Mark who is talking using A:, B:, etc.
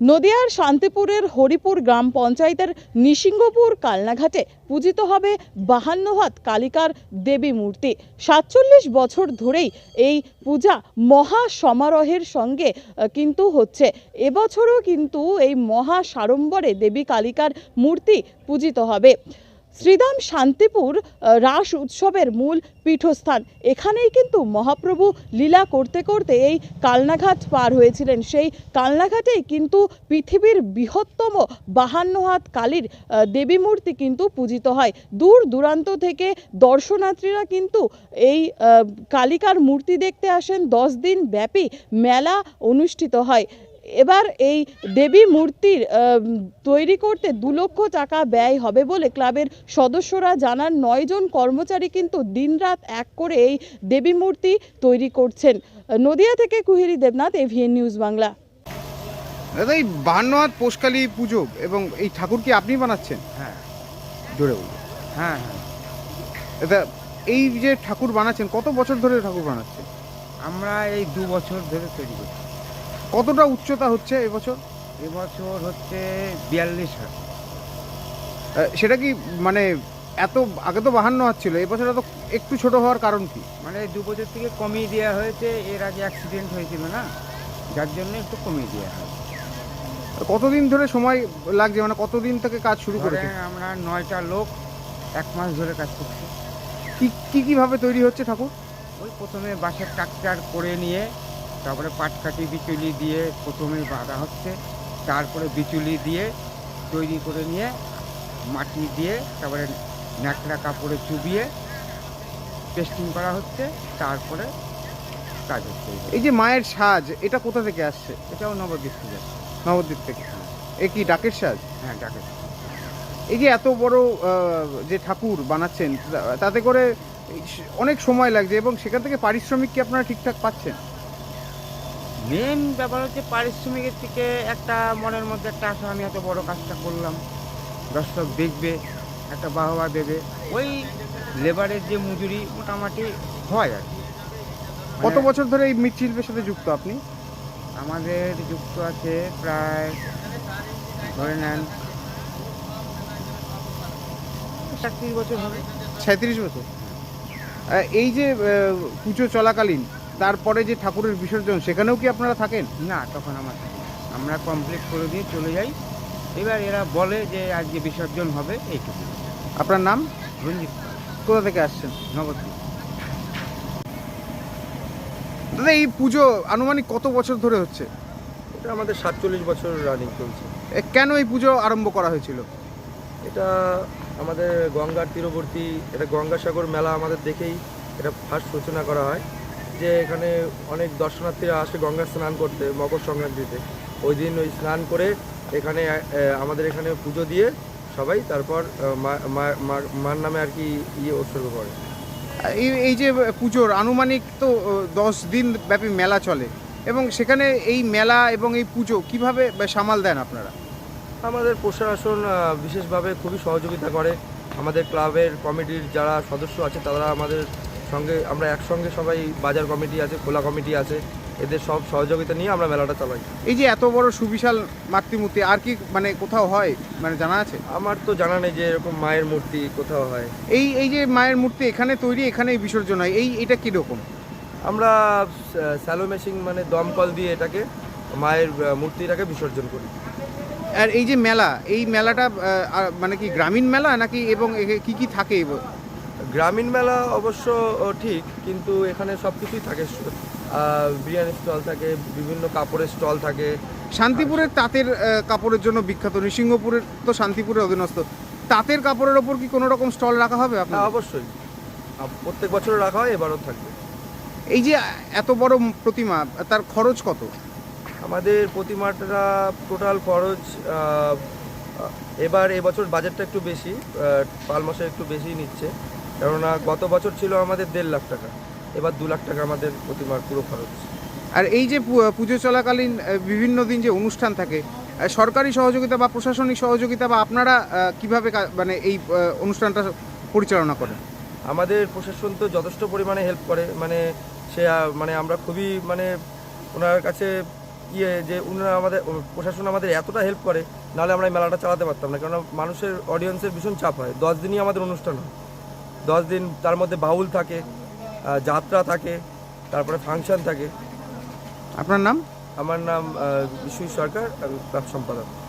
A: নদিয়ার শান্তিপুরের হরিপুর গ্রাম পঞ্চায়েতের নিসিংহপুর কালনাঘাটে পূজিত হবে 52 হাত কালিকার দেবী মূর্তি। 47 বছর ধরেই এই পূজা মহা সমারোহের সঙ্গে কিন্তু হচ্ছে। এবছরও কিন্তু এই মহা সাড়ম্বরে দেবী কালিকার মূর্তি পূজিত হবে। শ্রীধাম শান্তিপুর রাস উৎসবের মূল পীঠস্থান। এখানেই কিন্তু মহাপ্রভু লীলা করতে করতে এই কালনাঘাট পার হয়েছিলেন। সেই কালনাঘাটেই কিন্তু পৃথিবীর বৃহত্তম 52 হাত কালীর দেবী মূর্তি কিন্তু পূজিত হয়। দূর দূরান্ত থেকে দর্শনার্থীরা কিন্তু এই কালিকার মূর্তি দেখতে আসেন। 10 দিন ব্যাপী মেলা অনুষ্ঠিত হয়। এবার এই দেবী মূর্তির তৈরি করতে 2 লক্ষ টাকা ব্যয় হবে বলে ক্লাবের সদস্যরা জানান। 9 জন কর্মচারী কিন্তু দিনরাত এক করে এই দেবী মূর্তি তৈরি করছেন। নদিয়া থেকে কুহেরি দেবনাথ, এভিএন নিউজ বাংলা।
B: দাদা, এই 52 হাত পোষকালী পুজো এবং এই ঠাকুর কি আপনি বানাচ্ছেন?
C: হ্যাঁ
B: জোরে বলুন।
C: হ্যাঁ হ্যাঁ
B: দাদা, এই যে ঠাকুর বানাচ্ছেন, কত বছর ধরে ঠাকুর বানাচ্ছেন?
C: আমরা এই 2 বছর ধরে তৈরি করছি।
B: কতটা উচ্চতা হচ্ছে এবছর?
C: এবছর হচ্ছে 42 হাত।
B: সেটা কি মানে এত আগে তো 52 হাত ছিল, এবছর এত একটু ছোট হওয়ার কারণ কি?
C: মানে 2 বছর থেকে কমিয়ে দেওয়া হয়েছে। এর আগে অ্যাক্সিডেন্ট হয়েছিল না, যার জন্য একটু কমিয়ে দেওয়া হয়।
B: কতদিন ধরে সময় লাগছে, মানে কতদিন থেকে কাজ শুরু করেছে?
C: ধরেন আমরা 9টা লোক 1 মাস ধরে কাজ করছি।
B: কিভাবে তৈরি হচ্ছে ঠাকুর?
C: ওই প্রথমে বাঁশের ট্রাকচার করে নিয়ে তারপরে পাটকাঠি বিচুলি দিয়ে প্রথমে বাঁধা হচ্ছে, তারপরে বিচুলি দিয়ে তৈরি করে নিয়ে মাটি দিয়ে তারপরে ন্যাকড়া কাপড়ে চুবিয়ে পেস্টিং করা হচ্ছে, তারপরে কাজ হচ্ছে।
B: এই যে মায়ের সাজ, এটা কোথা থেকে আসছে?
C: এটাও নবদ্বীপ থেকে যাচ্ছে।
B: নবদ্বীপ থেকে। এ কি ডাকের সাজ?
C: হ্যাঁ, ডাকে।
B: এই যে এত বড় যে ঠাকুর বানাচ্ছেন, তাতে করে অনেক সময় লাগছে এবং সেখান থেকে পারিশ্রমিক কি আপনারা ঠিকঠাক পাচ্ছেন?
C: মেন ব্যাপার হচ্ছে পারিশ্রমিকের থেকে একটা মনের মধ্যে একটা আশা, আমি এত বড় কাজটা করলাম, দর্শক দেখবে, একটা বাহবা দেবে। ওই লেবারের যে মজুরি মোটামুটি হয় আর কি।
B: কত বছর ধরে এই মৃৎশিল্পের সাথে যুক্ত আপনি?
C: আমাদের যুক্ত আছে প্রায় ধরে নেন 37 বছর হবে।
B: 37 বছর। এই যে পুজো চলাকালীন তারপরে যে ঠাকুরের বিসর্জন, সেখানেও কি আপনারা থাকেন?
C: না, তখন আমরা কমপ্লিট করে দিয়ে চলে যাই। এবার এরা বলে যে আজকে বিসর্জন হবে, এইটুকু।
B: আপনার নাম?
C: রঞ্জিত পাল,
B: কোথা থেকে আসছেন?
C: নবদ্বীপ।
B: দাদা, এই পুজো আনুমানিক কত বছর ধরে হচ্ছে?
D: এটা আমাদের 47 বছর রানিং চলছে।
B: কেন এই পুজো আরম্ভ করা হয়েছিল?
D: এটা আমাদের গঙ্গার তীরবর্তী, এটা গঙ্গাসাগর মেলা আমাদের দেখেই এটা ফার্স্ট সূচনা করা হয়। যে এখানে অনেক দর্শনার্থীরা আসে গঙ্গা স্নান করতে মকর সংক্রান্তিতে। ওই দিন ওই স্নান করে এখানে আমাদের এখানে পুজো দিয়ে সবাই তারপর মার নামে আর কি উৎসর্গ করে।
B: এই যে পুজোর আনুমানিক তো 10 দিন ব্যাপী মেলা চলে এবং সেখানে এই মেলা এবং এই পুজো কিভাবে সামাল দেন আপনারা?
D: আমাদের প্রশাসন বিশেষভাবে খুবই সহযোগিতা করে। আমাদের ক্লাবের কমিটির যারা সদস্য আছে তারা আমাদের সঙ্গে, আমরা একসঙ্গে সবাই, বাজার কমিটি আছে, খোলা কমিটি আছে, এদের সব সহযোগিতা নিয়ে আমরা মেলাটা চালাই।
B: এই যে এত বড় সুবিশাল মাতৃমূর্তি আর কি মানে কোথাও হয়, মানে জানা আছে?
D: আমার তো জানা নেই যে এরকম মায়ের মূর্তি কোথাও হয়।
B: এই যে মায়ের মূর্তি এখানে তৈরি, এখানেই বিসর্জন হয়, এটা কীরকম?
D: আমরা স্যালো মেশিন মানে দমকল দিয়ে এটাকে মায়ের মূর্তিটাকে বিসর্জন করি।
B: আর এই যে মেলা, এই মেলাটা মানে কি গ্রামীণ মেলা নাকি, এবং কি কি থাকে?
D: গ্রামীণ মেলা অবশ্য ঠিক, কিন্তু এখানে সব কিছুই থাকে। বিরিয়ানি স্টল থাকে, বিভিন্ন কাপড়ের স্টল থাকে।
B: শান্তিপুরের তাঁতের কাপড়ের জন্য বিখ্যাত, নৃসিংহপুরের তো শান্তিপুরের অধীনস্থ। তাঁতের কাপড়ের ওপর কি কোনো রকম স্টল রাখা হবে আপনার?
D: হ্যাঁ, অবশ্যই প্রত্যেক বছর রাখা হয়, এবারও থাকবে।
B: এই যে এত বড় প্রতিমা, তার খরচ কত?
D: আমাদের প্রতিমাটা টোটাল খরচ এবছর বাজেটটা একটু বেশি, পাল মাসে একটু বেশি নিচ্ছে, কেননা গত বছর ছিল আমাদের 1.5 লাখ টাকা, এবার 2 লাখ টাকা আমাদের প্রতিমার পুরো খরচ।
B: আর এই যে পুজো চলাকালীন বিভিন্ন দিন যে অনুষ্ঠান থাকে, সরকারি সহযোগিতা বা প্রশাসনিক সহযোগিতা বা আপনারা কিভাবে মানে এই অনুষ্ঠানটা পরিচালনা করেন?
D: আমাদের প্রশাসন তো যথেষ্ট পরিমাণে হেল্প করে, মানে সে মানে আমরা খুবই মানে ওনার কাছে ইয়ে যে ওনারা আমাদের প্রশাসন আমাদের এতটা হেল্প করে, নাহলে আমরা এই মেলাটা চালাতে পারতাম না। কেননা মানুষের অডিয়েন্সের ভীষণ চাপ হয়। 10 দিনই আমাদের অনুষ্ঠান হয়, 10 দিন, তার মধ্যে বাউল থাকে, যাত্রা থাকে, তারপরে ফাংশন থাকে।
B: আপনার নাম?
D: আমার নাম বিশ্বজিৎ সরকার, আমি ক্লাব সম্পাদক।